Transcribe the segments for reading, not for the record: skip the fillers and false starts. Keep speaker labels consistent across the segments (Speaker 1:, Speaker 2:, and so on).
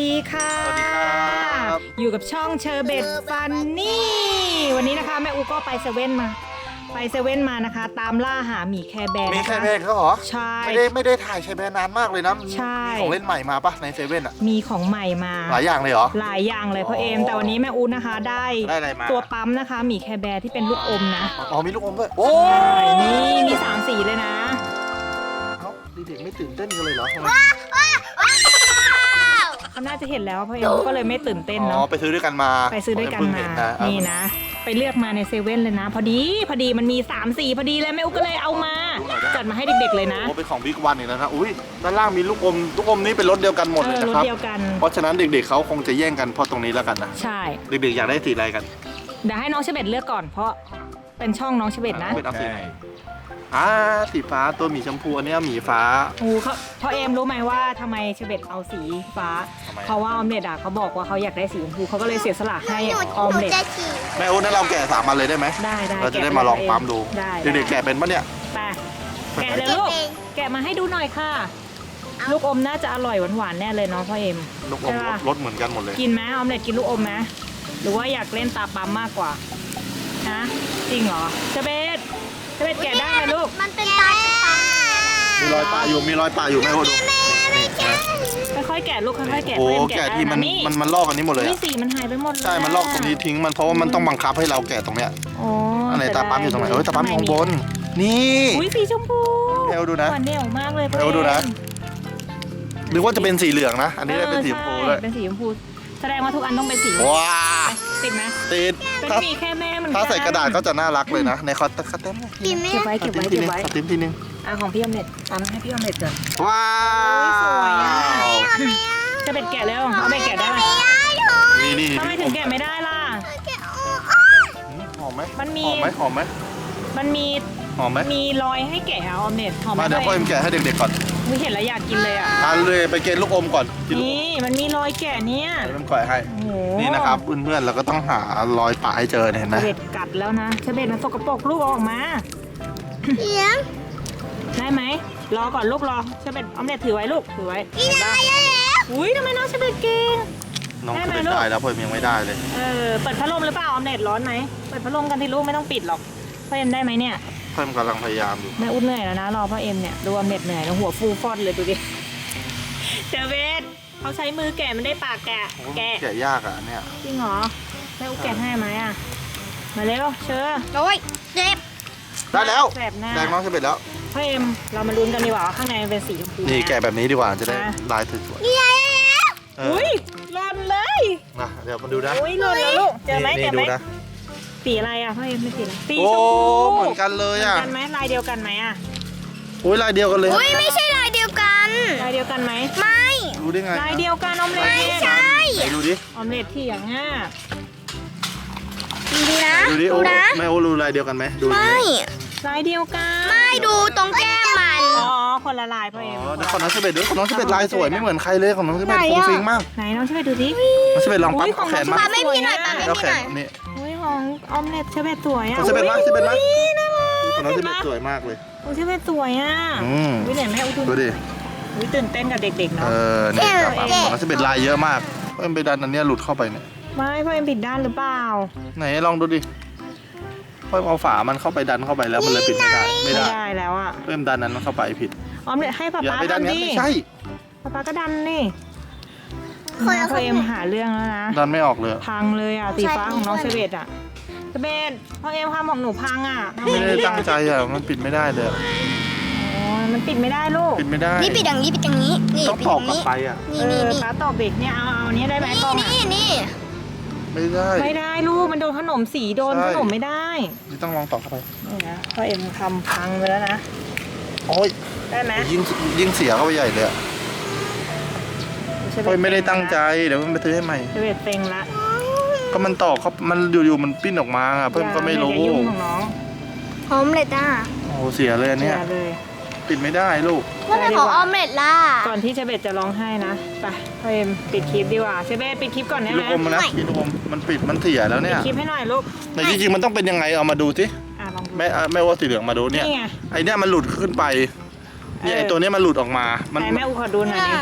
Speaker 1: ดีค่ะ
Speaker 2: สวัสดีครับ
Speaker 1: อยู่กับช่องเชอร์เบตฟันนี่วันนี้นะคะแม่อูก็ไปเซเว่นมานะคะตามล่าหาหมีแคร์แบร์
Speaker 2: มี
Speaker 1: นะ
Speaker 2: แค่
Speaker 1: คะ
Speaker 2: แบนเขาเหรอ
Speaker 1: ใช่
Speaker 2: ไม่ได้ถ่ายแค่แบนนานมากเลยนะ
Speaker 1: ใช่
Speaker 2: มีของเล่นใหม่มาปะในเซเว่นอะ
Speaker 1: มีของใหม่มา
Speaker 2: หลายอย่างเลยเหรอ
Speaker 1: หลายอย่างเลยพ่อเอมแต่วันนี้แม่อูนะคะได้
Speaker 2: อะไรมา
Speaker 1: ตัวปั๊มนะคะหมีแคร์แบร์ที่เป็นลูกอมนะ
Speaker 2: อ๋อมีลูกอมด้วยโอ้
Speaker 1: ใช่นี่มี3สีเลยนะ
Speaker 2: เอ้าเด็กๆไม่ตื่นเต้นกันเลยเหรอทำไม
Speaker 1: เขาน่าจะเห็นแล้วพ่อเอมเขาก็เลยไม่ตื่นเต้น
Speaker 2: อ๋อ
Speaker 1: เนาะ
Speaker 2: ไปซื้อด้วยกันมา
Speaker 1: ไปซื้อด้วยกัน
Speaker 2: เพิ่ง
Speaker 1: มา
Speaker 2: เห็ะ
Speaker 1: นี่นะ ไปเลือกมาในเซเว่นเลยนะ พอดีมันมี3สีพอดีเลยแม่อุ๊กก็เลยเอามา จัดมาให้เด็กๆเลยนะ
Speaker 2: โอ้เป็นของบิ๊กวันอีกแล้วนะอุ้ยด้านล่างมีลูกอมนี่เป็นรสเดียวกันหมดเลย
Speaker 1: ร
Speaker 2: นะ
Speaker 1: ถ
Speaker 2: ครับ
Speaker 1: เดียวกัน
Speaker 2: เพราะฉะนั้นเด็กๆเขาคงจะแย่งกันเพราะตรงนี้แล้วกันนะ
Speaker 1: ใช่
Speaker 2: เด็กๆอยากได้สีอะไรกัน
Speaker 1: เดี๋ยวให้น้องเชเบตเลือกก่อนเพราะเป็นช่องน้องเชเบตนะ
Speaker 2: เป็นเอาสีไหนสีฟ้าตัวหมีชมพูอันนี้หมีฟ้า
Speaker 1: โอ้เขาพ่อเอมรู้ไหมว่าทำไมเชเบตเอาสีฟ้า
Speaker 2: ทำไม
Speaker 1: เพราะว่าออมเล็ตอ่ะเขาบอกว่าเขาอยากได้สีชมพูเขาก็เลยเสียสละให้ออมเล็ต
Speaker 2: แม่โอ๊ตนั่นเราแกะ3 อันเลยได้ไหม
Speaker 1: ได้
Speaker 2: เราจะได้มาลองปั๊มดู
Speaker 1: ได้
Speaker 2: เด็กๆแกะเป็นปะเนี่ย
Speaker 1: ไปแกะเลยลูกแกะมาให้ดูหน่อยค่ะ ลูกอมน่าจะอร่อยหวานๆแน่เลยเนาะพ่อเอม
Speaker 2: ลูกอม
Speaker 1: ใช่ปะ
Speaker 2: รสเหมือนกันหมดเลย
Speaker 1: กินไหมออมเล็ตกินลูกอมไหมหรือว่าอยากเล่นตาปั๊มมากกว่านะจริงเหรอเชเบตแกะได้ไหมลูก
Speaker 3: มันเป็นตาปั๊ม
Speaker 2: มีรอยปลาอยู่แม่โอ๊ตดูนี่
Speaker 1: ค่อยๆแกะลูกค่อยๆแกะ
Speaker 2: โอ้
Speaker 1: พ่เม
Speaker 2: แกะ
Speaker 1: ได้
Speaker 2: ที่
Speaker 1: นะนี่
Speaker 2: มันลอกอันนี้หมดเลย
Speaker 1: นี่
Speaker 2: อะ
Speaker 1: สีมันหายไปหมดเลย
Speaker 2: ใช่มันลอกตรงนี้ทิ้งมันเพราะว่ามันต้องบังคับให้เราแกะตรงเนี้ย
Speaker 1: อ๋อ
Speaker 2: อันไหนตาปั๊มอยู่ตรงไหนเอ้ยตาปั๊มอยู่ข้างบนนี่
Speaker 1: อุ้ยสีชมพู
Speaker 2: แม่โอ๊ตดูนะ
Speaker 1: หวานเดี่ยวมากเลย
Speaker 2: แม่โอ๊ตดูนะ หรือว่าจะเป็นสีเหลืองนะ อันนี้ได้เป็นสีชมพูด้วย
Speaker 1: เป็นสีชมพูแสดงว่าทุกอันต้องเป็นสี
Speaker 2: ว้า
Speaker 1: ติดไหม
Speaker 2: ติด
Speaker 1: เป็น
Speaker 2: ถ้า
Speaker 1: หมีแค่แม่เหมือนกัน
Speaker 2: ถ้าใส่กระดาษก็จะน่ารักเลยนะในคอตเต็ม
Speaker 3: กินไหม
Speaker 1: เก็บไว้
Speaker 2: ขอติ้มทีนึง
Speaker 1: อ่ะของพี่อมเล็ตเอามาให้พี่อมเล็ตก่อน
Speaker 2: ว้าว
Speaker 1: สวยอะ จะเป็นแกะแล้วเอาไปแกะได้ไหม
Speaker 2: นี่
Speaker 1: ทำไมถึงแกะไม่ได้ล่ะ
Speaker 2: หอมไหม
Speaker 1: มันมี
Speaker 2: หอมไหม
Speaker 1: มันมี
Speaker 2: หอมไหม
Speaker 1: มีรอยให้แกะอะออมเล็ตหอมไห
Speaker 2: มาเดี๋ยวพ่อเอ็มแกะให้เด็กๆก่อน
Speaker 1: ไม่เห็นแล้วอยากกินเลยอ่ะ
Speaker 2: ทานเลยไปเกณฑ์ลูกอมก่อนกินลูกอม
Speaker 1: นี่มันมีรอยแกะเนี่ย
Speaker 2: เดี๋ยวเอ็มก่อยให้
Speaker 1: โอ้โห
Speaker 2: นี่นะครับเพื่อนๆเราก็ต้องหารอยปะให้เจอเนี่ยเห็นไหม
Speaker 1: เชเบตกัดแล้วนะเชเบตมันสกปรกลูกเอาออกมา
Speaker 3: เลี้ยง
Speaker 1: ได้ไหมรอก่อนลูกรอเชเบตออมเล็ตถือไว้ลูกถือไว้
Speaker 3: กินได้แล้ว
Speaker 1: อุ้ยทำไมน้องเชเบตเก่ง
Speaker 2: น้อง
Speaker 1: ได้
Speaker 2: จะ
Speaker 1: ไหม
Speaker 2: เป็น
Speaker 1: ลูก
Speaker 2: ได้แล้วพ่อเอ็มยังไม่ได้เลย
Speaker 1: เปิดพัดลมหรือเปล่าออมเล็ตร้อนไหมเปิดพัดลมกันที่ลูกไม่ต้องปิดหรอกพ่อเอ็มได้ไหมเนี่ย
Speaker 2: พ่อเอ็มกำลังพยายามอยู่
Speaker 1: แม่อุ้นเหนื่อยแล้วนะรอพ่อเอ็มเนี่ยดูออมเล็ตเหนื่อยแล้วหัวฟูฟอดเลยดูดิเชเบตเขาใช้มือแกะมันได้ปากแกะ
Speaker 2: แกะยากอ่ะเนี่ย
Speaker 1: จริงเหรอแม่อุ้แกะให้ไหมอ่ะมาเร็วเชิญ
Speaker 3: โอ้ยเจ็บ
Speaker 2: ได้แล้ว
Speaker 1: แสบหน้า
Speaker 2: แดงน้องจะเป็นแล้ว
Speaker 1: พ่อเอ็มเรามาลุ้นกันดีกว่าว่าข้างในมันเป็นสีชมพู
Speaker 2: นี่
Speaker 1: ไหม
Speaker 2: แกะแบบนี้ดีกว่าจะได้
Speaker 1: อ่ะ
Speaker 2: ลายสวย
Speaker 3: นี่ไงแล้ว
Speaker 2: ๆเออ
Speaker 1: อุ้ยหล่นเลย
Speaker 2: นะเดี๋ยวมาดูนะ
Speaker 1: อุ้ยหล่นแล้วลูกเจอไหม
Speaker 2: นี่
Speaker 1: เจอไหม
Speaker 2: ดูนะ
Speaker 1: สีอะไรอ่ะพ่อเอ็มเป็นสีอะไรสี
Speaker 2: โอ้
Speaker 1: ชมพู
Speaker 2: เหมือนกันเลย
Speaker 1: เหมื
Speaker 2: อ่ะ
Speaker 1: อนกันไหมลายเดียวกันไหมอ่ะ
Speaker 2: อุ้ยลายเดียวกันเลย
Speaker 3: อุ้ยไม่ใช่ลายเดียวกัน
Speaker 1: ลายเดียวกันไหม
Speaker 3: ไม่
Speaker 2: รู้ได้ไง
Speaker 1: ลายเดียวกันออมเล็ต
Speaker 3: ไม่ใช่
Speaker 2: ไหนดูดิ
Speaker 1: ออมเล็ตที่อย่างง่า
Speaker 3: ดูนะ
Speaker 2: ดูดิโอ้
Speaker 3: นะ
Speaker 2: แม่โอ้รู้ลายเดียวกันไหมดูดิ
Speaker 3: ไม่
Speaker 1: ลายเดียวกัน
Speaker 3: ไม่ดูตรงแก้มมัน
Speaker 1: อ๋อคนละลายพ่อ
Speaker 2: อ๋
Speaker 1: เอ็ม
Speaker 2: อแล้วของน้องเชเบตด้วยของน้องเชเบตลายสวยไม่เหมือนใครเลยของน้องเชเบตฟุ้งฟิ้งมาก
Speaker 1: ไหนน้องช่วยดูดิ
Speaker 2: น้องเชเบตลองปั๊บ
Speaker 1: อุ๊ยของ
Speaker 2: แขน
Speaker 1: น้อง
Speaker 2: มา
Speaker 3: ปาไม่พี่หน่อยปาไม่
Speaker 2: แล้ว
Speaker 3: พี่
Speaker 2: แข
Speaker 3: หน่
Speaker 2: น
Speaker 3: อย
Speaker 2: นี่
Speaker 1: อุ้ยของออมเล็ตเชเบตสวยอ่ะ
Speaker 2: ของเชเบตมาเชเบตมา
Speaker 1: อุ๊ยน่ารัก
Speaker 2: ของน้องเชเบตสวยมากเลย
Speaker 1: ของเชเบตสวยอ่ะ
Speaker 2: อืม
Speaker 1: อุ้ยเนี่ยแม่อุ้
Speaker 2: ดูดิ
Speaker 1: อุ้ยตื่นเต้นกับเด็กๆ
Speaker 2: เอ
Speaker 1: เนาะ
Speaker 2: อนี่จับปั๊บของน้องเชเบตลายเยอะมากเพิ่มไปดันอันเนี้ยหลุดเข้าไปเนี่ย
Speaker 1: ไม่พ่อเอ็มผิดด้านหรือเปล่า
Speaker 2: ไหนลองดูดิเพิ่มเอาฝามันเข้าไปดันเข้าไปแล้วมันเลยปิดไม่ได้ไม่
Speaker 1: ไม่
Speaker 2: ได้
Speaker 1: ได้แล้วอ่ะ
Speaker 2: เพิ่มดันนั้นเข้าไปผิด
Speaker 1: ออมเล็ตให้ป๊า
Speaker 2: อย่า
Speaker 1: ป๊า
Speaker 2: ไปดัน
Speaker 1: ทำ
Speaker 2: งั้น
Speaker 1: ดิ
Speaker 2: ไม่ใช่
Speaker 1: ป๊าป๊าก็ดันนี่
Speaker 3: คน
Speaker 1: พ่อเอ็มหาเรื่องแล้วนะ
Speaker 2: ดันไม่ออกเลย
Speaker 1: พังเลยอ่ะสีฟ้าของน้องเชเบตอ่ะเชเบตพ่อเอ็มทำของหนูพังอ่ะทำ
Speaker 2: ไม่
Speaker 1: ไง
Speaker 2: ได้
Speaker 1: ดี
Speaker 2: ตั้งใจอ่ะมันปิดไม่ได้เลย
Speaker 1: อ๋อมันปิดไม่ได้ลูก
Speaker 2: ปิดไม่ได้
Speaker 3: นี่ปิดอย่างนี้ปิดอย่างนี้นี่
Speaker 2: ต้อง
Speaker 3: ปิด
Speaker 2: ต
Speaker 3: อ
Speaker 2: อก
Speaker 3: ย่าง
Speaker 2: กลับ
Speaker 3: นี้
Speaker 2: ไปอ่ะ
Speaker 3: นี่นี่นี่
Speaker 1: ป๊าตอบเด็กเนี่ยเอาอันนี้ได้ไหมกล้องอ่ะ
Speaker 3: นี่
Speaker 2: ไม่ได้
Speaker 1: ไม่ได้ลูกมันโดนขนมสีโดน
Speaker 2: ใช่
Speaker 1: ขนมไม่ได้
Speaker 2: นี่ต้องลองตอกเข้าไป
Speaker 1: นี่นะพ่อเอ็มทำพังไปแล้วนะ
Speaker 2: โอ้ย
Speaker 1: ได้ไหม
Speaker 2: ยิ่งเสียเข้าไปใหญ่เลยอ่ะ
Speaker 1: เชเบต
Speaker 2: โอ้ยไม่ได้ตั้งใจเดี๋ยวมันไปซื้อให้ใหม่
Speaker 1: เชเบตเต็งละ
Speaker 2: ก็มันตอกเขามันอยู่ๆมันปิ้นออกมาอ่ะเพิ่มก็ไม่รู้
Speaker 1: อย่ายุ่งของน้อง
Speaker 3: หอมเล็ดอ่ะ
Speaker 2: โอ้โหเสียเลยอัน
Speaker 1: เสี
Speaker 2: เนี้ย
Speaker 1: ยเลย
Speaker 2: ปิดไม่ได้ลูก
Speaker 3: ว่าเป็นของออมเล็ดล่ะ
Speaker 1: ก่อนที่เชเบตจะร้องไห้นะไปพ่อเอ็มปิดคลิปดีกว่าเชเบตปิดคลิปก่อนได้
Speaker 2: กิน
Speaker 1: ไห
Speaker 2: ลู
Speaker 1: ม
Speaker 2: กอมมานะกินลูกอมมันปิดมันเสียแล้ว
Speaker 1: ปิ
Speaker 2: เนี่
Speaker 1: ด
Speaker 2: ย
Speaker 1: คลิปให้หน่อยลูก
Speaker 2: แต่จริงๆมันต้องเป็นยังไงเอามาดูสิ
Speaker 1: ลองดู
Speaker 2: แม่ว่าสีเหลืองมาดูเนี่ย
Speaker 1: นี่ไง
Speaker 2: ไอเนี้ยมันหลุดขึ้นไปเนี่ยไอตัวเนี้ยมันหลุดออกมามัน
Speaker 1: ไหนแม่อูขอดูหน่อยดิ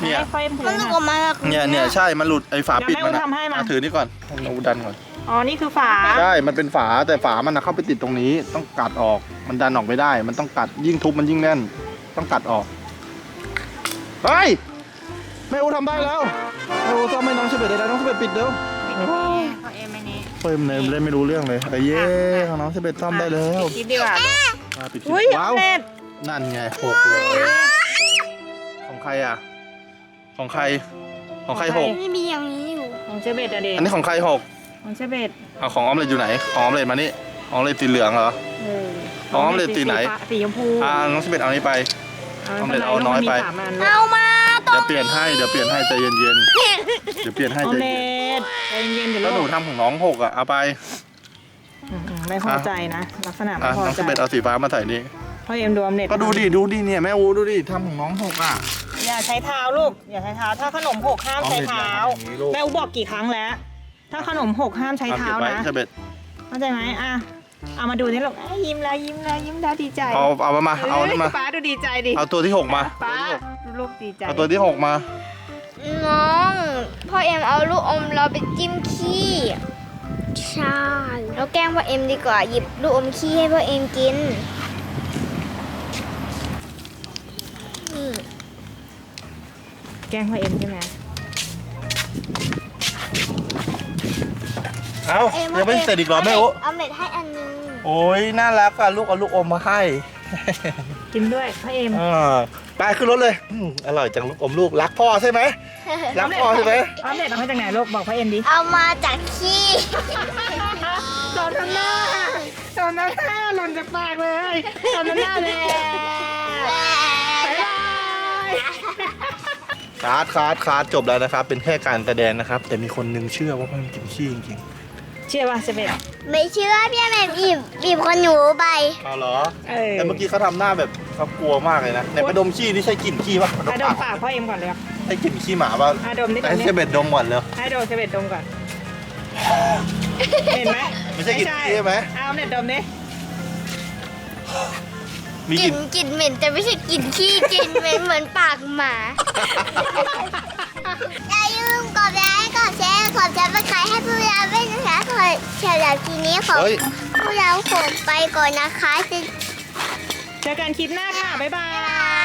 Speaker 2: เนี่ย
Speaker 1: ให้พ่อเอ็มถือ
Speaker 3: มัน
Speaker 1: ห
Speaker 3: ลู
Speaker 1: น่
Speaker 3: ก
Speaker 1: อย
Speaker 3: ออกมา
Speaker 2: เนี่ยใช่มันหลุดไอ้ฝาปิดมัน
Speaker 1: เดี๋ยวแม่อู๋ทำให้มา
Speaker 2: ถือนี่ก่อนให้หนูดันก่อน
Speaker 1: อ๋อนี่คือฝา
Speaker 2: ใช่มันเป็นฝาแต่ฝามันเข้าไปติดตรงนี้ต้องกัดออกมันดันออกไม่ได้ มันต้องกัดยิ่งทุบมันยิ่งแน่น ต้องกัดออกเฮ้ยแม่อูทำได้แล้วแม่อูซ่อมให้น้องเชเบตได้แล้วน้องเชเบตปิดเร็ว
Speaker 1: พ่อเอ็มอันนี้
Speaker 2: เพิ่มเลยเล่นไม่รู้เรื่องเลยเย้ของน้องเชเบตซ่อมได้แล้ว
Speaker 1: คิดดีกว่า
Speaker 2: ปิดคลิป
Speaker 1: อุ้ย
Speaker 2: ว้าว
Speaker 1: เน็ต
Speaker 2: นั่นไงหกเลยของใครอ่ะของใครของใครหก
Speaker 3: ไม่มีอย่างนี้อยู่
Speaker 1: ของเชเบตอะเด็ก
Speaker 2: อันนี้ของใครหก
Speaker 1: ของเชเบต
Speaker 2: เอาของออมเล็ตอยู่ไหนของออมเล็ตมานี่ของออมเล็ตสีเหลืองเหรอ อ๋อออมเล็ตสีไหน
Speaker 1: สีชมพู
Speaker 2: น้องเชเบตเอานี้ไป ออมเล็ตเอาน้อยไป
Speaker 1: มีสามอันลูก
Speaker 3: เอามาตร
Speaker 2: เดี๋ยว
Speaker 3: ง
Speaker 2: เปลี่ยนให้เดี๋ยวเปลี่ยนให้ใจเย็นๆเดี๋ยวเปลี่ยนให้
Speaker 1: ออ
Speaker 2: ใจ
Speaker 1: มเล็
Speaker 2: เย็น
Speaker 1: ตใจเย็นๆเดี๋ยว
Speaker 2: แล้วหนู
Speaker 1: ลูก
Speaker 2: ทำของน้องหกอ่ะเอาไป
Speaker 1: ไม่พอใจนะ ลักษณะไม่
Speaker 2: อ่ะ
Speaker 1: พอ
Speaker 2: น้อง
Speaker 1: ใจ
Speaker 2: เชเบตเอาสีฟ้ามาใส่นี่
Speaker 1: พ่อเอ็มดูออมเล็ต
Speaker 2: ก็ดูดิเนี่ยแม่อูดูดิทำของน้องหกอ่ะ
Speaker 1: อย่าใช้เท้าลูกอย่าใช้เท้าถ้าขนมหกห้ามใช้เท้า
Speaker 2: ออมเล็ตอย่าทำอย่างนี้ลูก
Speaker 1: แม่อูบอกกี่ครั้งแล้ว ถ้าขนมหกห้ามใช้
Speaker 2: เอา
Speaker 1: เท้า
Speaker 2: เก็บไว้
Speaker 1: นะ
Speaker 2: เชเบต
Speaker 1: เข้าใจไหมอ่ะเอามาดูนี่ลูกยิ้มแล้วยิ้มแล้วยิ้มแล้วดีใจ
Speaker 2: เอามาเอานี่มา
Speaker 1: ป้าดูดีใจดิ
Speaker 2: เอาตัวที่หกมา
Speaker 1: ป้าลูกดีใจ
Speaker 2: เอาตัวที่หกมา
Speaker 3: น้องพ่อเอ็มเอาลูกอมเราไปจิ้มขี้ใช่เราแกล้งพ่อเอ็มดีกว่าหยิบลูกอมขี้ให้พ่อเอ็มกินนี่
Speaker 1: แกล้งพ่อเอ็มใช่ไหม
Speaker 2: เอายังไม่เสร็จอีกเหรอแม่อู
Speaker 3: เอาเม็ดให้อันนึง
Speaker 2: โอ้ยน่ารักอ่ะลูกเอาลูกอมมาให้
Speaker 1: กินด้วยพ่อเอ็ม
Speaker 2: ไปขึ้นรถเลยอร่อยจังลูกอมลูกรักพ่อใช่ไหมรักพ่อใช่ไหม
Speaker 1: ออมเล็ตเอามาจากไหนลูกบอกพ่อเอ็มดิ
Speaker 3: เอามาจากขี้
Speaker 1: ตอนนั้นหน้าหล่นจากปากเลยตอนนั้นหน้าเลยบ๊ายบาย
Speaker 2: คาร์ดจบแล้วนะครับ เป็นแค่การแสดงนะครับ แต่มีคนนึงเชื่อว่ามันกินขี้จริง
Speaker 1: เชื่อป่ะเชเบต
Speaker 3: ไม่เชื่อพี่แม่บีบคนหนูไป
Speaker 2: ๆเอาเหรอ
Speaker 1: เออ
Speaker 2: แต่เมื่อกี้เขาทำหน้าแบบเขากลัวมากเลยนะในประดมขี้นี่ใช่กลิ่นขี้ปะ
Speaker 1: อ่ะดมปากพ่อเอ็มก่อนเลย
Speaker 2: ใช่กลิ่นขี้หมาปะ
Speaker 1: อ่ะดมนี่ก่อ
Speaker 2: ให้
Speaker 1: น
Speaker 2: เชเบตดมก่อนเลย
Speaker 1: ให้ดมเชเบตดมก่อนเห็นไหม
Speaker 2: ไม่ใช่กลิ่นขี้ใช่ไหม
Speaker 1: เอาออมเล็ตดมดิ
Speaker 2: มี
Speaker 3: ก
Speaker 2: ก
Speaker 3: ลิ่
Speaker 2: ลิ่
Speaker 3: น
Speaker 2: น
Speaker 3: กลิ่นเหม็นแต่ไม่ใช่กลิ่นขี้กลิ่นเหม็นเหมือนปากหมาอย่าลืมกดไลค์กดแชร์กดซับสไครต์ให้พวกเราด้วยนะคะขอเฉลิมทีนี้ขอ
Speaker 2: เฮ้ย
Speaker 3: พวกเราขอไปก่อนนะคะ
Speaker 1: เจอกันคลิปหน้าค่ะบ๊ายบาย